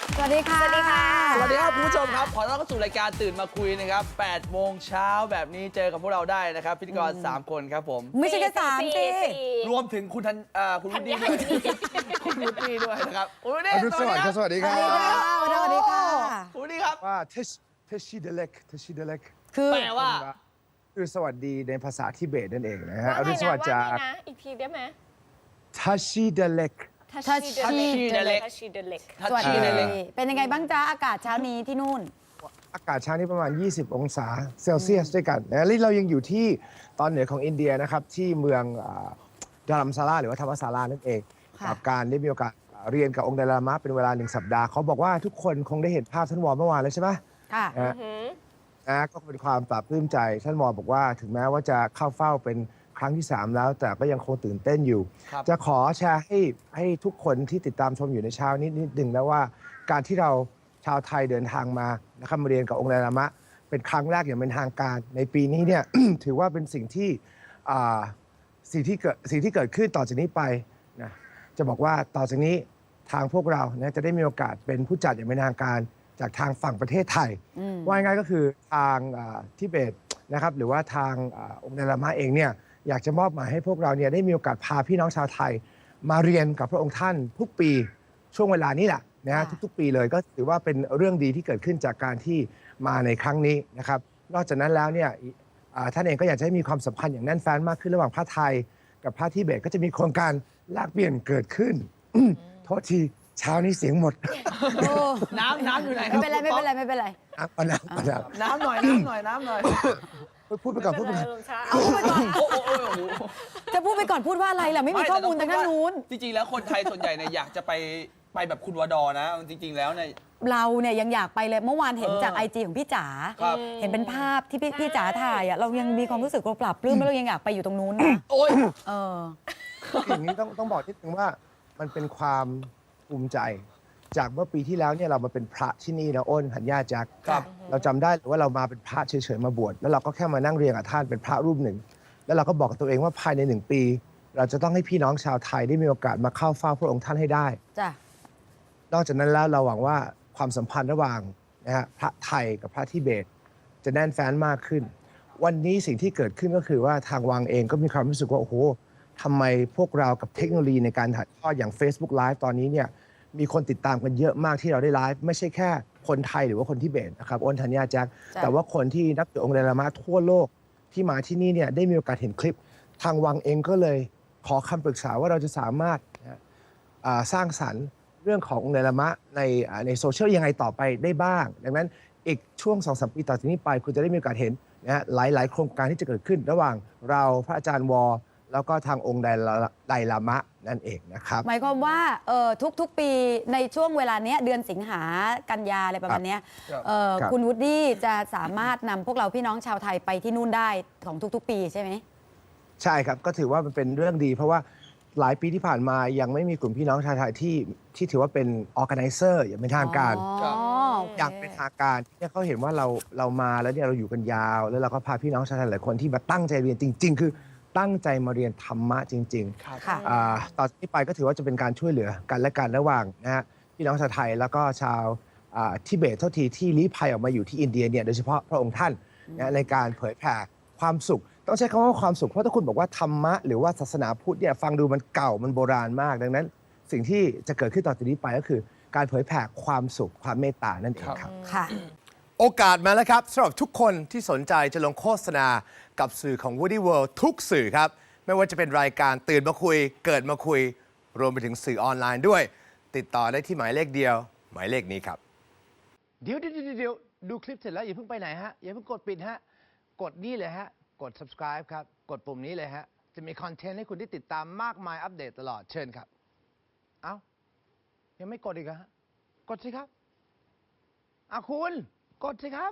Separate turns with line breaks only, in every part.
สวัสดีค่ะ
สวัสดีค่ะ
สวัสดีครับคุณผู้ชมครับขอต้อนรับเข้าสู่รายการตื่นมาคุยนะครับ8 โมงเช้าแบบนี้เจอกับพวกเราได้นะครับพิธีกร3 คนครับผม
ไม่ใช่แค่สามสิ
รวมถึงคุณคุณวุฒิด้วยคุณวุฒิด้วยนะครับคุณวุฒิ
อรุณสวัสดิ์ครับสวัสดี
ส
ค
วั
รั
สดีค่ะ
บ
สวัสดีค่ะ
คุณวุฒิครับ
ว่าเทชิเดเล็ก
คือ
แปลว่า
คือสวัสดีในภาษาทิเบตนั่นเองนะฮะ
ว่า
อ
ไง
รุณส
นะ
วัสดิ์จาก
นะอีกทีได้ไหม
ทัชชิเดเล็ก
ทัชชีเดเล็ก
สวัสดี
ทัชชี่เลย
เป็นยังไงบ้างจ๊ะอากาศเช้านี้ที่นู่น
อากาศเช้านี้ประมาณ 20 องศาเซลเซียสด้วยกันนะและเรายังอยู่ที่ตอนเหนือของอินเดียนะครับ ที่เมืองดารัมซาราหรือว่าธรรมศาลานั่นเอง
ค่ะ
กับการได้มีโอกาสเรียนกับองค์ไดลามะเป็นเวลา1 สัปดาห์เขาบอกว่าทุกคนคงได้เห็นภาพท่านวอเมื่อวานแล้วใช่ไหม
ค่ะ
นะก็เป็นความปลาบปลื้มใจท่านมอบอกว่าถึงแม้ว่าจะเข้าเฝ้าเป็นครั้งที่ 3 แล้ว แต่ก็ยังคงตื่นเต้นอยู่
ครับ
จะขอแชร์ให้ทุกคนที่ติดตามชมอยู่ในเช้านิดหนึ่งนะว่าการที่เราชาวไทยเดินทางมานะครับมาเรียนกับองค์ไดลามะเป็นครั้งแรกอย่างเป็นทางการในปีนี้เนี่ย ถือว่าเป็นสิ่งที่สิ่งที่เกิดขึ้นต่อจากนี้ไปนะจะบอกว่าต่อจากนี้ทางพวกเรานะจะได้มีโอกาสเป็นผู้จัดอย่างเป็นทางการจากทางฝั่งประเทศไทย ว่าง่ายๆก็คือทางทิเบตนะครับหรือว่าทางองค์ไดลามะเองเนี่ยอยากจะมอบหมายให้พวกเราเนี่ยได้มีโอกาสพาพี่น้องชาวไทย มาเรียนกับพระองค์ท่านทุกปีช่วงเวลานี้แหละนะฮะ
ค่ะ
ทุกๆ ปีเลยก็ถือว่าเป็นเรื่องดีที่เกิดขึ้นจากการที่มาในครั้งนี้นะครับนอกจากนั้นแล้วเนี่ยท่านเองก็อยากจะให้มีความสัมพันธ์อย่างแน่นแฟ้นมากขึ้นระหว่างพระไทย กับพระทิเบตก็จะมีโครงการแลกเปลี่ยนเกิดขึ้น โทษทีเช้านี้เสียงหมด
โอ้
น้ำอยู่ไหนค
ไม่
รับ
เป็นไรไม่เป็นไรไม่เป็นไร
เอาน้ำเอาน้ำ
น้ำหน่อยน้ำหน่อย
พูดไปก่อนพูดไปก่อน
เอาพูดไปก่อน
โอ้โห
จะพูดไปก่อนพูดว่าอะไรล่ะไม่มีข้อมูลทางด้านนู้น
จริงๆแล้วคนไทยส่วนใหญ่เนี่ยอยากจะไปแบบคุณวดอนะจริงๆแล้วเนี่ย
เราเนี่ยยังอยากไปเลยเมื่อวานเห็นจาก
เออ
IG ของพี่จ๋า
ครับ
เห็นเป็นภาพที่พี่จ๋าถ่ายอ่ะเรายังมีความรู้สึกเราปรับปลื้มแล้วเรายังอยากไปอยู่ตรงนู้นนะ
โอ้ย
เออ
อย่างนี้ต้องบอกนิดนึงว่ามันเป็นความภูมิใจ จากเมื่อปีที่แล้วเนี่ยเรามาเป็นพระที่นี่นะอ้นหันญาจัก
ครับ
เราจำได้หรือว่าเรามาเป็นพระเฉยๆมาบวชแล้วเราก็แค่มานั่งเรียนกับท่านเป็นพระรูปหนึ่ง แล้วเราก็บอกกับตัวเองว่าภายใน1 ปี เราจะต้องให้พี่น้องชาวไทยได้มีโอกาสมาเข้าเฝ้าพระองค์ท่านให้ได้
จ้ะ
นอกจากนั้นแล้วเราหวังว่าความสัมพันธ์ระหว่างนะฮะพระไทยกับพระทิเบต จะแน่นแฟ้นมากขึ้น วันนี้สิ่งที่เกิดขึ้นก็คือว่าทางวังเองก็มีความรู้สึกว่าโอ้โหทำไมพวกเรากับเทคโนโลยีในการถ่ายทอดอย่าง Facebook Live ตอนนี้เนี่ยมีคนติดตามกันเยอะมากที่เราได้ไลฟ์ไม่ใช่แค่คนไทยหรือว่าคนทิเบตนะครับอ้นธัญญาแจ็ค
จ้ะ
แต่ว่าคนที่นับถือองค์ไดลามะทั่วโลกที่มาที่นี่เนี่ยได้มีโอกาสเห็นคลิป ทางวังเองก็เลยขอคำปรึกษาว่าเราจะสามารถสร้างสรรค์เรื่องขององค์ไดลามะในโซเชียลยังไงต่อไปได้บ้าง ดังนั้นอีกช่วง 2-3 ปีต่อจากนี้ไป คุณจะได้มีโอกาสเห็นนะฮะหลาย ๆ โครงการที่จะเกิดขึ้น ระหว่างเราพระอาจารย์วอ แล้วก็ทางองค์ไดลามะนั่นเองนะครับ
หมายความว่าทุกๆปีในช่วงเวลาเนี้ยเดือนสิงหากันยาอะไรประมาณเนี้ย
ครับ
ครับ
คุณวูดดี้จะสามารถนำพวกเราพี่น้องชาวไทยไปที่นู่นได้ของทุกๆ ปีใช่ไหม
ใช่ครับ ก็ถือว่ามันเป็นเรื่องดี เพราะว่าหลายปีที่ผ่านมายังไม่มีกลุ่มพี่น้องชาวไทยที่ถือว่าเป็น organizer อย่างเป็นทางการ
ครับ
โอเค
อย่างเป็นทางการที่เขาเห็นว่าเรามาแล้วเนี่ยเราอยู่กันยาว แล้วเราก็พาพี่น้องชาวไทยหลายคนที่มาตั้งใจเรียนจริง ๆ คือตั้งใจมาเรียนธรรมะจริง
ครับ
ค่ะ
ต่อจากนี้ไปก็ถือว่าจะเป็นการช่วยเหลือกันและกันระหว่างนะฮะพี่น้องชาวไทยแล้วก็ชาวทิเบตเท่าทีที่ลี้ภัยออกมาอยู่ที่อินเดียเนี่ยโดยเฉพาะพระองค์ท่านนะในการเผยแผ่ความสุข ต้องใช้คำว่าความสุขเพราะถ้าคุณบอกว่าธรรมะหรือว่าศาสนาพุทธเนี่ยฟังดูมันเก่ามันโบราณมาก ดังนั้น สิ่งที่จะเกิดขึ้นต่อจากนี้ไปก็คือ การเผยแผ่ความสุขความเมตตานั่นเองครับ
ค่ะ
โอกาสมาแล้วครับสำหรับทุกคนที่สนใจจะลงโฆษณากับสื่อของ Woody World ทุกสื่อครับ ไม่ว่าจะเป็นรายการตื่นมาคุย เกิดมาคุย รวมไปถึงสื่อออนไลน์ด้วย ติดต่อได้ที่หมายเลขเดียว หมายเลขนี้ครับ
เดี๋ยวดูคลิปเสร็จแล้วอย่าเพิ่งไปไหนฮะ อย่าเพิ่งกดปิดฮะ กดนี่เลยฮะ กด subscribe ครับ กดปุ่มนี้เลยฮะ จะมีคอนเทนต์ให้คุณได้ติดตามมากมายอัปเดตตลอดเชิญครับ เอ้า ยังไม่กดอีกเหรอฮะ กดสิครับคุณ กดสิครับ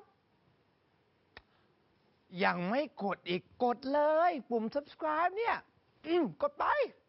ยังไม่กดอีกกดเลย ปุ่ม subscribe เนี่ยกดไป